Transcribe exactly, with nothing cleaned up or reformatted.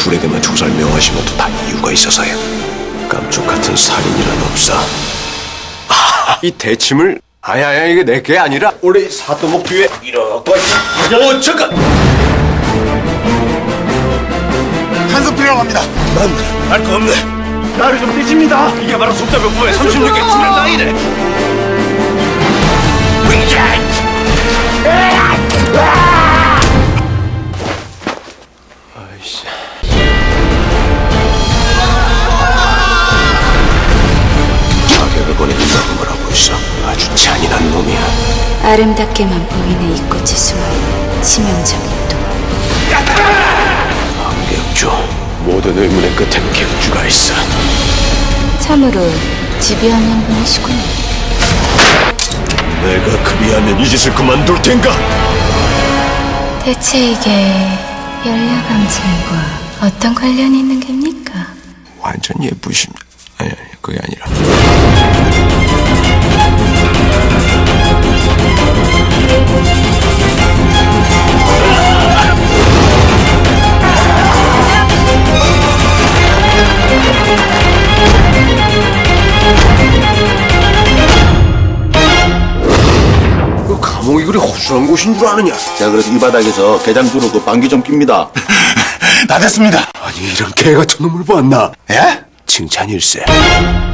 프레드만 총살 명하신 것도 다 이유가 있어서요. 깜쪽 같은 살인이란 없어. 아, 이 대침을 아야야 이게 내 게 아니라 원래 사또목 뒤에 이렇게 어 잠깐 한숨 필요로 합니다. 난 알 거 없네. 나를 좀 떼집니다. 이게 바로 속자병법의 삼십육 개 지난 나이래. 아이씨. 자격을 보내는 놈을 하고 있어. 아주 잔인한 놈이야. 아름답게만 보이는 이 꽃에 숨어있는 치명적인 또 객주. 모든 의문의 끝엔 객주가 있어. 참으로 집요한 분이시군요. 내가 그리하면 이 짓을 그만둘 텐가? 대체 이게 열려감증과 어떤 관련이 있는 겁니까? 완전 예쁘심. 아니 아니 그게 아니라. 그 감옥이 그리 허술한 곳인 줄 아느냐? 제가 그래서 이 바닥에서 개장주로 그 방귀 좀 낍니다. 다 됐습니다. 아니 이런 개 같은 놈을 보았나? 예? 칭찬일세.